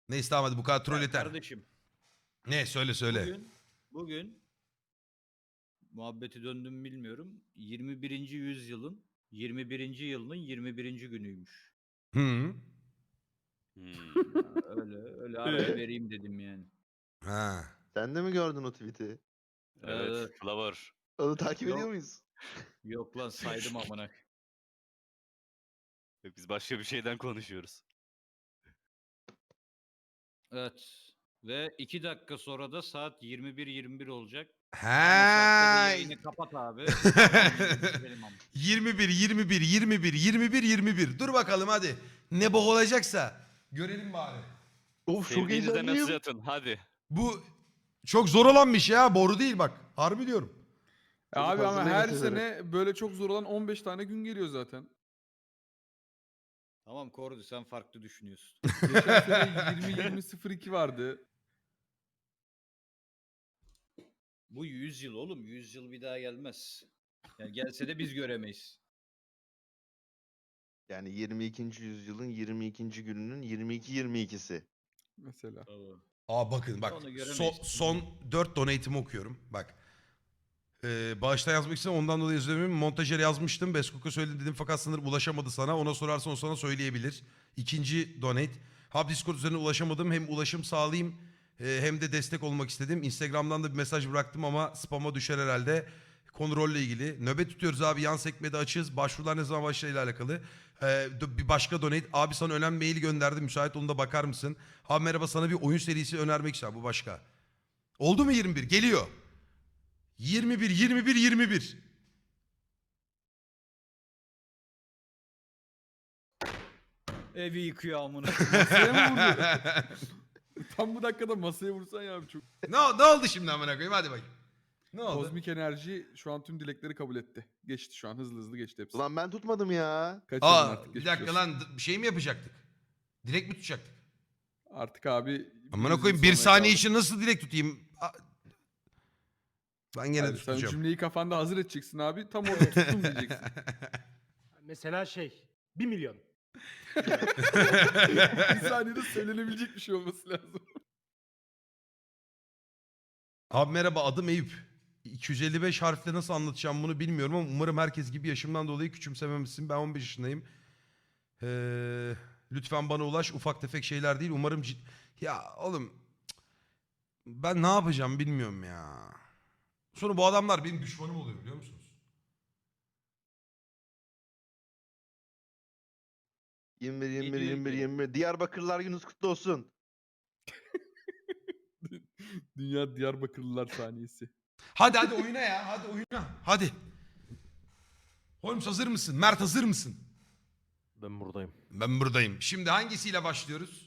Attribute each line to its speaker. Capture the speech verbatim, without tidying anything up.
Speaker 1: Neyse tamam hadi bu kadar troll
Speaker 2: Ya
Speaker 1: yeter.
Speaker 2: kardeşim.
Speaker 1: Ne söyle söyle.
Speaker 2: Bugün, bugün muhabbeti döndüm bilmiyorum. yirmi birinci yüzyılın yirmi birinci yılının yirmi birinci günüymüş.
Speaker 1: Hı.
Speaker 3: Hmm.
Speaker 2: Ya öyle öyle araya vereyim dedim yani.
Speaker 1: Ha.
Speaker 4: Sen de mi gördün o tweet'i?
Speaker 3: Evet.
Speaker 2: Ee,
Speaker 3: Flower.
Speaker 4: Onu takip
Speaker 2: Yok.
Speaker 4: ediyor muyuz?
Speaker 2: Yok lan saydım amına.
Speaker 3: Yok, biz başka bir şeyden konuşuyoruz.
Speaker 2: Evet. Ve iki dakika sonra da saat yirmi bir yirmi bir olacak.
Speaker 1: He.
Speaker 2: Yayını kapat abi. Benim amına.
Speaker 1: yirmi bir yirmi bir yirmi bir yirmi bir yirmi bir. Dur bakalım hadi. Ne bok olacaksa görelim bari.
Speaker 4: Of çok
Speaker 3: Sevdiğinize mesaj
Speaker 4: heyecanlıyım.
Speaker 3: atın hadi.
Speaker 1: Bu çok zor olanmış ya. Boru değil bak. Harbi diyorum.
Speaker 5: Ya abi ama
Speaker 4: hazırlayın
Speaker 5: her
Speaker 4: mesajları.
Speaker 5: sene böyle çok zor olan on beş tane gün geliyor zaten.
Speaker 2: Tamam Kordi sen farklı düşünüyorsun.
Speaker 5: Geçen sene yirmi yirmi sıfır iki vardı.
Speaker 2: Bu yüz yıl oğlum. yüz yıl bir daha gelmez. Yani gelse de biz göremeyiz.
Speaker 4: Yani yirmi ikinci yüzyılın yirmi ikinci gününün yirmi iki yirmi ikisi.
Speaker 5: Mesela.
Speaker 2: Tabii.
Speaker 1: Aa bakın bak.
Speaker 2: Onu
Speaker 1: So-
Speaker 2: göremeyiz.
Speaker 1: son dört donate'imi okuyorum. Bak. Ee, bağıştan yazmak için ondan dolayı özür dilerim. Montajer yazmıştım. Beskok'a söyledim dedim fakat sanırım ulaşamadı sana. Ona sorarsan o sana söyleyebilir. İkinci donate. Hub Discord üzerine ulaşamadım. Hem ulaşım sağlayayım e, hem de destek olmak istedim. Instagram'dan da bir mesaj bıraktım ama spam'a düşer herhalde. Kontrolle ilgili. Nöbet tutuyoruz abi. Yan sekmede açığız. Başvurular ne zaman başlayla alakalı. Ee, bir başka donate. Abi sana önemli mail gönderdim. Müsait onu da bakar mısın? Abi merhaba sana bir oyun serisi önermek istiyorum. Bu başka. Oldu mu yirmi bir? Geliyor. yirmi bir, yirmi bir, yirmi bir.
Speaker 2: Evi yıkıyor amına.
Speaker 5: Masaya mı vurdu? Tam bu dakikada masaya vursan ya abi çok.
Speaker 1: ne, ne oldu şimdi amına koyayım? Hadi bakayım. Ne oldu?
Speaker 5: Kozmik enerji şu an tüm dilekleri kabul etti. Geçti şu an hızlı hızlı geçti hepsi.
Speaker 4: Ulan ben tutmadım ya.
Speaker 5: Kaçırdın
Speaker 1: Aa,
Speaker 5: artık.
Speaker 1: bir
Speaker 5: geçmiş
Speaker 1: dakika
Speaker 5: olsun.
Speaker 1: lan d- bir şey mi yapacaktık? Dilek mi tutacaktık?
Speaker 5: Artık abi.
Speaker 1: Amına
Speaker 5: yüz
Speaker 1: koyayım
Speaker 5: yıl
Speaker 1: bir
Speaker 5: sonra
Speaker 1: saniye
Speaker 5: kaldı.
Speaker 1: için nasıl dilek tutayım? A- Ben gene
Speaker 5: Hadi sen
Speaker 1: tutacağım.
Speaker 5: cümleyi kafanda hazır edeceksin abi. Tam orada tuttum diyeceksin.
Speaker 6: Mesela şey bir milyon.
Speaker 5: Bir saniyede söylenebilecek bir şey olması lazım.
Speaker 1: Abi merhaba adım Eyüp. iki yüz elli beş harfle nasıl anlatacağım bunu bilmiyorum ama umarım herkes gibi yaşımdan dolayı küçümsememişsin. Ben on beş yaşındayım. Ee, lütfen bana ulaş ufak tefek şeyler değil. Umarım cid... Ya oğlum cık, ben ne yapacağım bilmiyorum ya. Sonra bu adamlar benim düşmanım oluyor biliyor musunuz?
Speaker 4: yirmi bir yirmi bir
Speaker 2: diyor
Speaker 4: yirmi bir
Speaker 2: ki?
Speaker 4: yirmi bir. Diyarbakırlar gününüz kutlu olsun.
Speaker 5: Dünya Diyarbakırlılar saniyesi.
Speaker 1: Hadi hadi oyuna ya hadi oyuna hadi. Holmes hazır mısın? Mert hazır mısın?
Speaker 7: Ben buradayım.
Speaker 1: Ben buradayım. Şimdi hangisiyle başlıyoruz?